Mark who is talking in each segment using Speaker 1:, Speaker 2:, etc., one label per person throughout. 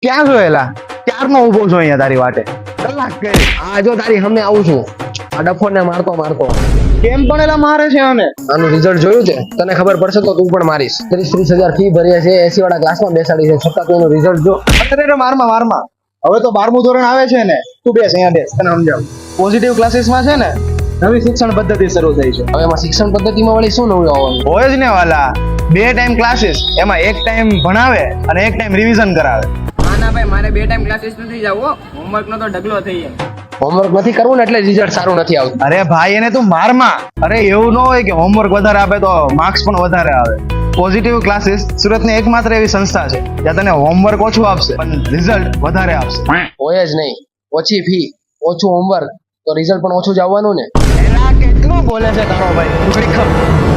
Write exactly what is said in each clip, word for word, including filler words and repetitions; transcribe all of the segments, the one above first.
Speaker 1: ક્યાં જોયેલા? ક્યારનો ઊભો છો અહીંયા તારી વાટે? કલાક કરી.
Speaker 2: આ જો તારી સામે આવું છું આ ડફો ને મારતો મારતો
Speaker 1: કેમ પણ એલા મારે છે આને?
Speaker 2: આનું રિઝલ્ટ જોયું છે? તને ખબર પડશે તો તું પણ મારીશ. ત્રીસ ત્રીસ હજાર ફી ભરીએ છે, એસી વાળા ક્લાસમાં બેસાડી છે, છતાં તું એનું રિઝલ્ટ જો.
Speaker 1: અરે મારમાં મારમાં હવે તો બારમું ધોરણ આવે છે ને, તું બેસ અહીંયા બેસ, તને સમજાવું. પોઝિટિવ ક્લાસીસમાં છે ને નવી શિક્ષણ પદ્ધતિ શરૂ થઈ છે.
Speaker 2: હવે એમાં શિક્ષણ પદ્ધતિમાં વળી શું નવું આવવાનું?
Speaker 1: હોય જ ને વાલા, બે ટાઈમ ક્લાસીસ, એમાં એક ટાઈમ ભણાવે અને એક ટાઈમ રિવિઝન કરાવે.
Speaker 3: હા ના ભાઈ, મારે બે ટાઈમ ક્લાસીસ નથી જવું, હોમવર્ક નો તો ઢગલો થઈ જાય.
Speaker 2: હોમવર્ક નથી કરવું ને એટલે રિઝલ્ટ સારું નથી આવતું.
Speaker 1: અરે ભાઈ એને તું મારમાં. અરે એવું ન હોય કે હોમવર્ક વધારે આપે તો માર્ક્સ પણ વધારે આવે. પોઝિટિવ ક્લાસીસ સુરતની એકમાત્ર એવી સંસ્થા છે જ્યાં તને હોમવર્ક ઓછું આપશે પણ રિઝલ્ટ વધારે આપશે.
Speaker 2: હોય જ નહીં, ઓછી ફી ઓછું હોમવર્ક તો રિઝલ્ટ પણ ઓછું જ આવવાનું ને.
Speaker 1: એલા કેટલું બોલે છે તારો ભાઈ, તું ઘડીક ખમ.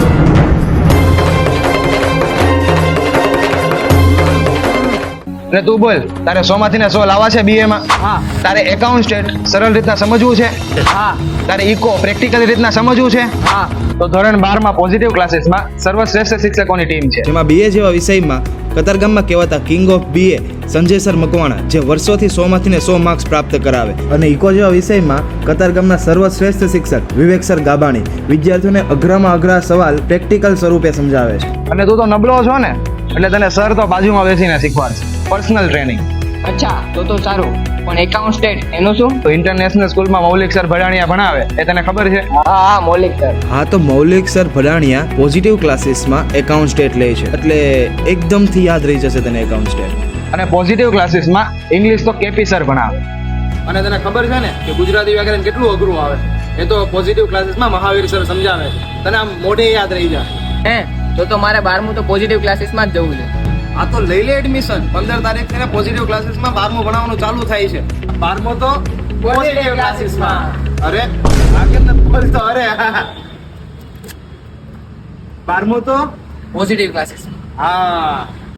Speaker 1: એટલે તું બોલ, તારે સો માંથી ને સો લાવવા છે બીએ માં?
Speaker 3: હા
Speaker 1: તારે એકાઉન્ટ સ્ટેટ સરળ રીતના સમજવું છે?
Speaker 3: હા
Speaker 1: તારે ઇકો પ્રેક્ટિકલ રીતના સમજવું છે?
Speaker 3: હા
Speaker 1: તો ધોરણ બાર માં પોઝિટિવ ક્લાસીસમાં સર્વશ્રેષ્ઠ શિક્ષકોની ટીમ છે.
Speaker 4: જેમાં બીએ જેવા વિષયમાં કતારગામમાં કહેવાતા king of BA Sanjay sir Makwana, જે વર્ષોથી સો માંથી ને સો માર્ક્સ પ્રાપ્ત કરાવે, અને ઇકો જેવા વિષયમાં કતારગામના સર્વશ્રેષ્ઠ શિક્ષક વિવેક સર ગાબાણી વિદ્યાર્થીઓને અઘરામાં અઘરા સવાલ પ્રેક્ટિકલ સ્વરૂપે સમજાવે છે.
Speaker 1: અને તું તો નબળો છો ને, એટલે તને સર તો બાજુમાં બેસીને શીખવાડશે. Personal training.
Speaker 3: અચ્છા તો તો સારું, પણ એકાઉન્ટ સ્ટેટ એનું શું?
Speaker 1: તો ઇન્ટરનેશનલ સ્કૂલમાં મૌલિક સર ભડાણિયા ભણાવે, એ તને ખબર છે?
Speaker 3: હા હા મૌલિક સર.
Speaker 4: હા, તો મૌલિક સર ભડાણિયા પોઝિટિવ ક્લાસીસમાં એકાઉન્ટ સ્ટેટ લે છે, એટલે એકદમથી યાદ રહી જશે તને એકાઉન્ટ સ્ટેટ.
Speaker 1: અને પોઝિટિવ ક્લાસીસમાં ઇંગ્લિશ તો કેપી સર ભણાવે.
Speaker 5: અને તને ખબર છે ને કે ગુજરાતી વ્યાકરણ કેટલું અઘરું આવે? એ તો પોઝિટિવ ક્લાસીસમાં મહાવીર સર સમજાવે છે, તને આમ મોઢે યાદ રહી જાય.
Speaker 3: હે તો તો મારે બારમું તો પોઝિટિવ ક્લાસીસમાં જ જવું છે.
Speaker 5: આ તો લઈ લે એડમિશન. પંદર તારીખ થી પોઝિટિવ ક્લાસીસમાં બારમું ભણાવવાનું ચાલુ થાય છે. બારમું તો પોઝિટિવ ક્લાસીસમાં. અરે આગળ ન બોલતો. અરે બારમું તો
Speaker 3: પોઝિટિવ ક્લાસીસ.
Speaker 5: હા